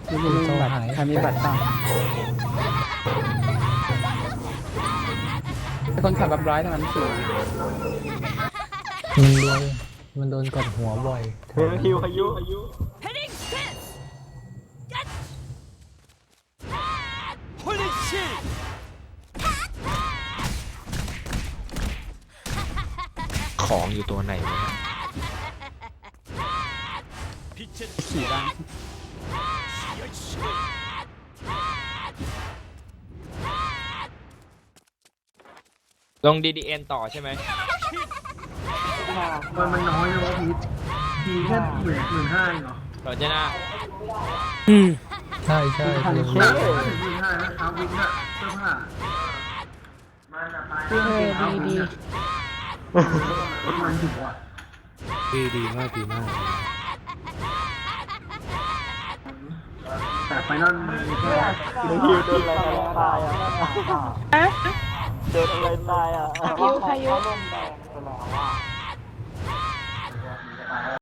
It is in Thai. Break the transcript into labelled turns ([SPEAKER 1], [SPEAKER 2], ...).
[SPEAKER 1] ไม่มีบัตรใครมีบัตรบ้างคนขับแบบร้อยเท่านั้นสูง
[SPEAKER 2] มันโดนกดหัวบ่อย
[SPEAKER 3] คิวพายุ
[SPEAKER 4] Heading fence. Holy shit.
[SPEAKER 5] ของอยู่ตัวไหนวะ
[SPEAKER 1] ขี่บ้าง
[SPEAKER 5] ลง DDN ต่อใช่ไหม
[SPEAKER 3] มันน้อยนะพีทีแค่15,000เองเหรอ
[SPEAKER 5] ต่อจะน่า
[SPEAKER 2] ใช่ใช่
[SPEAKER 3] หนักถึง15,000นะเท้าวินอะเสื้อผ้าเสื้อดีมันถึงว่ะ
[SPEAKER 2] ดีมากดีมาก
[SPEAKER 3] แต่ไฟนอลแค่คิวโดนอะไรตายอ่ะโดนอะไรตายอ่ะ
[SPEAKER 6] พายุ